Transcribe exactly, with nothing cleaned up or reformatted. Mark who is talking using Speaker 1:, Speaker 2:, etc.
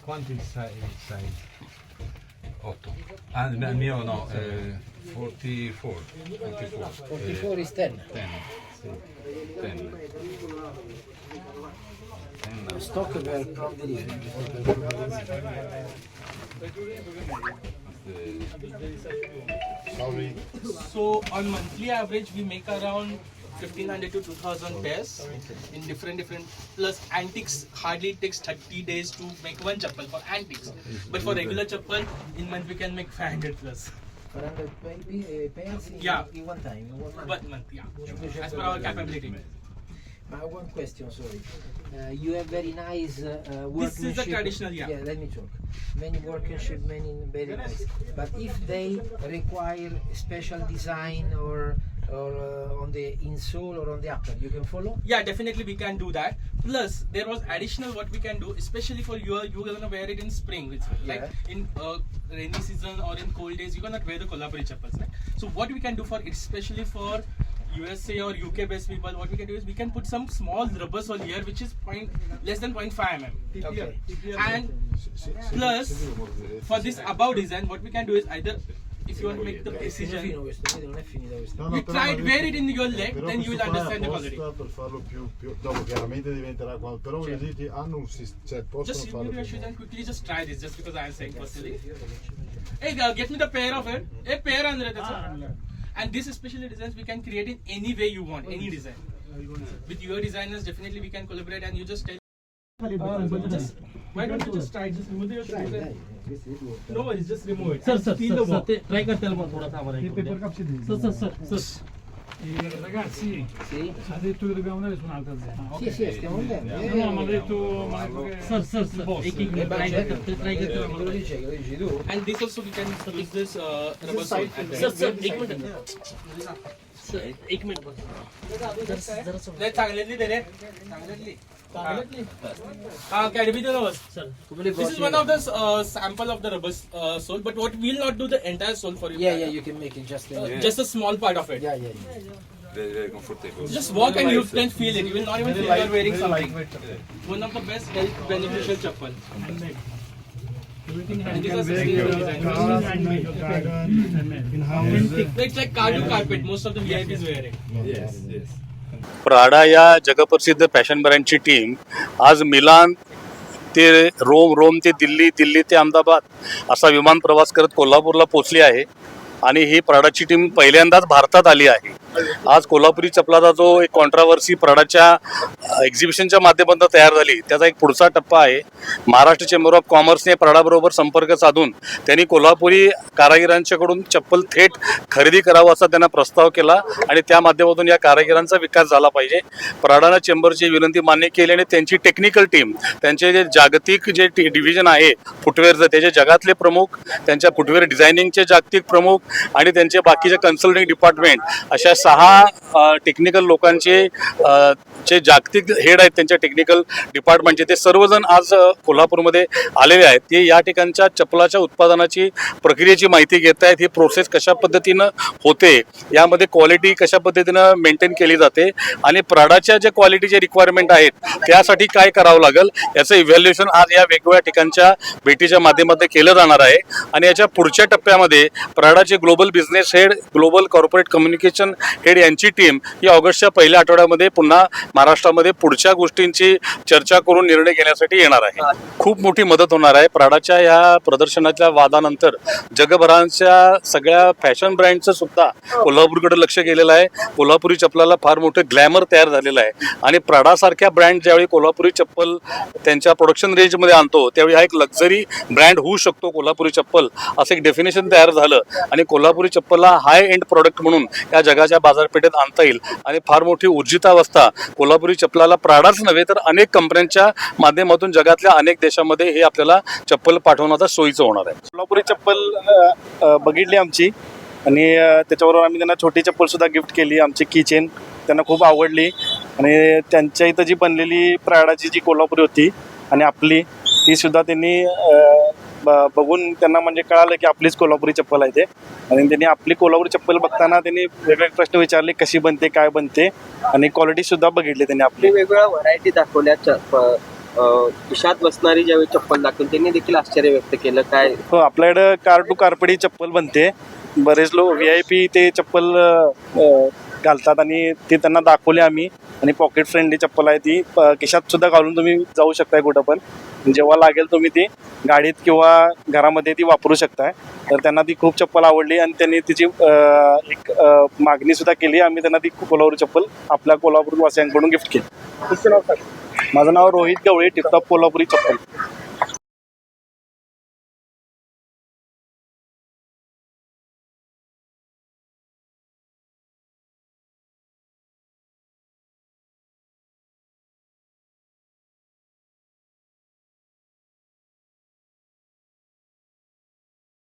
Speaker 1: quanti size? size? otto. Ah, mio no, eh, forty-four. forty-four.
Speaker 2: forty-four is ten.
Speaker 1: ten. Sì. ten. ten.
Speaker 2: Stock per
Speaker 3: Sorry.
Speaker 4: So on monthly average, we make around fifteen hundred to two thousand pairs in different different. Plus antiques hardly takes thirty days to make one chappal for antiques. But for regular chappal, in month we can make five hundred plus.
Speaker 2: four hundred pairs in,
Speaker 4: Yeah.
Speaker 2: in one time. In one month.
Speaker 4: One month, yeah. As per our capability.
Speaker 2: Uh, one question, sorry. Uh, you have very nice uh, uh,
Speaker 4: This is the
Speaker 2: workmanship.
Speaker 4: traditional, yeah.
Speaker 2: Yeah, let me talk. Many workmanship, many very nice. But if they require special design or or uh, on the insole or on the upper, you can follow?
Speaker 4: Yeah, definitely we can do that. Plus, there was additional what we can do, especially for you. You're gonna wear it in spring, which like
Speaker 2: Yeah.
Speaker 4: in uh, rainy season or in cold days, you cannot wear the Kolhapuri chappals, right? So what we can do for, especially for U S A or U K based people, what we can do is we can put some small rubber sole here, which is point less than zero point five millimeters.
Speaker 2: Okay.
Speaker 4: And plus, for this above design, what we can do is either if you want to make the
Speaker 2: È
Speaker 4: precision,
Speaker 2: fino questo, vedi, non è finito questo.
Speaker 3: No, no,
Speaker 4: you
Speaker 3: però
Speaker 4: try
Speaker 3: mi
Speaker 4: it,
Speaker 3: ha
Speaker 4: wear
Speaker 3: detto-
Speaker 4: it in your leg,
Speaker 3: però
Speaker 4: then you will
Speaker 3: questo qua è
Speaker 4: understand the quality.
Speaker 3: apposta per farlo più, più dopo chiaramente diventerà qua, però voglio dirti hanno un sistema, cioè possono
Speaker 4: Just
Speaker 3: farlo
Speaker 4: remove your
Speaker 3: più
Speaker 4: shoes and quickly just try this, just because I am saying personally. Hey, uh, get me the pair of it. A pair under it. And this especially designs we can create in any way you want, any design. With your designers, definitely we can collaborate, and you just tell. Uh, just, why don't you just try? Just remove your shoes.
Speaker 2: Dai,
Speaker 4: And,
Speaker 2: dai, questi due.
Speaker 4: no worries, just remove it.
Speaker 5: Sir
Speaker 4: And
Speaker 5: sir
Speaker 4: feel the
Speaker 5: sir
Speaker 4: walk.
Speaker 5: ते try करता येईल थोड़ा सा हमारा sir sir sir sir
Speaker 6: Eh, ragazzi,
Speaker 2: Sì?
Speaker 6: ha detto che dobbiamo andare su un'altra zona.
Speaker 2: Sì, sì, stiamo andando.
Speaker 6: No, no, mi ha detto, mi ha detto che
Speaker 5: sir sir sir एक एक
Speaker 2: Eh,
Speaker 5: minute
Speaker 2: beh,
Speaker 5: try
Speaker 2: certo.
Speaker 5: करते try करते
Speaker 2: Che lo dice, che lo dici tu?
Speaker 4: And this also we can use this uh, rubber sole. And
Speaker 5: sir sir एक minute sir एक minute बस जरा जरा sir
Speaker 4: नाही चांगल्यातली दे रे चांगल्यातली चांगल्यातली हा कॅडबीचं नवस
Speaker 5: sir
Speaker 4: This is one of the uh, sample of the rubber uh, sole, but what we'll not do the entire sole for you.
Speaker 2: Yeah, yeah, you can make it just. Uh,
Speaker 4: Uh, Just a small part of it.
Speaker 2: Yeah, yeah, yeah.
Speaker 1: Very, very comfortable.
Speaker 4: Just walk and you can feel it. You will not even feel you are wearing something. One of the best health beneficial chappal.
Speaker 6: everything
Speaker 4: And
Speaker 6: has
Speaker 4: these are
Speaker 6: been
Speaker 4: sustainable
Speaker 6: very
Speaker 4: design.
Speaker 6: cars, handmade, garden, handmade.
Speaker 4: It's like cartoon carpet. Most of the V I Ps wear it.
Speaker 1: Yes, yes.
Speaker 7: Prada या जगप्रसिद्ध fashion ब्रँडची team आज Milan ते Rome Rome ते दिल्ली दिल्ली ते अहमदाबाद असा विमान प्रवास करत कोल्हापूरला पोहोचली आहे आणि ही प्राडाची टीम पहिल्यांदाच भारतात आली आहे. आज कोल्हापुरी चपलाचा जो एक कॉन्ट्रावर्सी प्राडाच्या एक्झिबिशनच्या माध्यमातून तयार झाली त्याचा एक पुढचा टप्पा आहे. महाराष्ट्र चेंबर ऑफ कॉमर्सने प्राडाबरोबर संपर्क साधून त्यांनी कोल्हापुरी कारागिरांच्याकडून चप्पल थेट खरेदी करावं असा त्यांना प्रस्ताव केला आणि त्या माध्यमातून या कारागिरांचा विकास झाला पाहिजे. प्राडानं चेंबरची विनंती मान्य केली आणि त्यांची टेक्निकल टीम त्यांचे जे जागतिक जे डिव्हिजन आहे फुटवेअरचं त्याचे जगातले प्रमुख त्यांच्या फुटवेअर डिझायनिंगचे जागतिक प्रमुख आणि त्यांचे बाकीचे कन्सल्टिंग डिपार्टमेंट अशा सहा टेक्निकल लोकांचे जे जागतिक हेड आहेत त्यांच्या टेक्निकल डिपार्टमेंटचे ते सर्वजण आज कोल्हापूरमध्ये आलेले आहेत. ते या ठिकाणच्या चप्पलाच्या उत्पादनाची प्रक्रियेची माहिती घेत आहेत. ही प्रोसेस कशा पद्धतीनं होते, यामध्ये क्वालिटी कशा पद्धतीनं मेंटेन केली जाते आणि प्राडाच्या ज्या क्वालिटीचे रिक्वायरमेंट आहेत त्यासाठी काय करावं लागेल याचं इव्हॅल्युएशन आज या वेगवेगळ्या ठिकाणच्या भेटीच्या माध्यमातून केलं जाणार आहे. आणि याच्या पुढच्या टप्प्यामध्ये प्राडाचे global business head global corporate communication head यांची टीम ही ऑगस्टच्या पहिल्या आठवड्यामध्ये पुन्हा महाराष्ट्रामध्ये पुढच्या गोष्टींची चर्चा करून निर्णय घेण्यासाठी येणार आहे. खूप मोठी मदत होणार आहे. प्राडाच्या या प्रदर्शनाच्या वादानंतर जगभराच्या सगळ्या फॅशन ब्रँडचं सुद्धा कोल्हापूरकडे लक्ष गेलेलं आहे. कोल्हापुरी चप्पलाला फार मोठं ग्लॅमर तयार झालेलं आहे आणि प्राडासारख्या ब्रँड ज्यावेळी कोल्हापुरी चप्पल त्यांच्या प्रोडक्शन रेंजमध्ये आणतो त्यावेळी हा एक लक्झरी ब्रँड होऊ शकतो कोल्हापुरी चप्पल असं एक डेफिनेशन तयार झालं आणि कोल्हापुरी चप्पलला हाय एंड प्रोडक्ट म्हणून या जगाच्या बाजारपेठेत आणता येईल आणि फार मोठी ऊर्जितावस्था कोल्हापुरी चप्पलाला प्राडाच नव्हे तर अनेक कंपन्यांच्या माध्यमातून जगातल्या अनेक देशामध्ये हे आपल्याला चप्पल पाठवण्याचा सोयीचं होणार आहे.
Speaker 8: कोल्हापुरी चप्पल बघितली आमची आणि त्याच्याबरोबर आम्ही त्यांना छोटी चप्पल सुद्धा गिफ्ट केली. आमची किचेन त्यांना खूप आवडली आणि त्यांच्या इथं जी बनलेली प्राडाची जी कोल्हापुरी होती आणि आपली ती सुद्धा त्यांनी बघून त्यांना म्हणजे कळालं की आपलीच कोल्हापुरी चप्पल आहे ते आणि त्यांनी आपली कोल्हापुरी चप्पल बघताना त्यांनी वेगवेगळे प्रश्न विचारले कशी बनते काय बनते आणि क्वालिटी सुद्धा बघितली त्यांनी आपली.
Speaker 9: वेगवेगळ्या व्हरायटी दाखवल्या
Speaker 5: अं, खिशात बसणारी ज्यावेळी चप्पल दाखवून त्यांनी देखील आश्चर्य व्यक्त केलं. काय
Speaker 8: हो, आपल्याकडं कार टू कारपडी चप्पल बनते. बरेच लोक व्ही आय पी ते चप्पल अ, घालतात आणि ते त्यांना दाखवले आम्ही. आणि पॉकेट फ्रेंडली चप्पल आहे ती, प- खिशात सुद्धा घालून तुम्ही जाऊ शकताय कुठं पण. जेव्हा लागेल तुम्ही ती गाडीत किंवा घरामध्ये ती वापरू शकताय. तर त्यांना ती खूप चप्पल आवडली आणि त्यांनी तिची अ, एक अ, मागणी सुद्धा केली. आम्ही त्यांना ती कोल्हापुरी चप्पल आपल्या कोल्हापूर वासियांकडून गिफ्ट केली. तुमचं नाव काय? माझं नाव रोहित गवळे, टिपटॉप कोल्हापुरी चप्पल.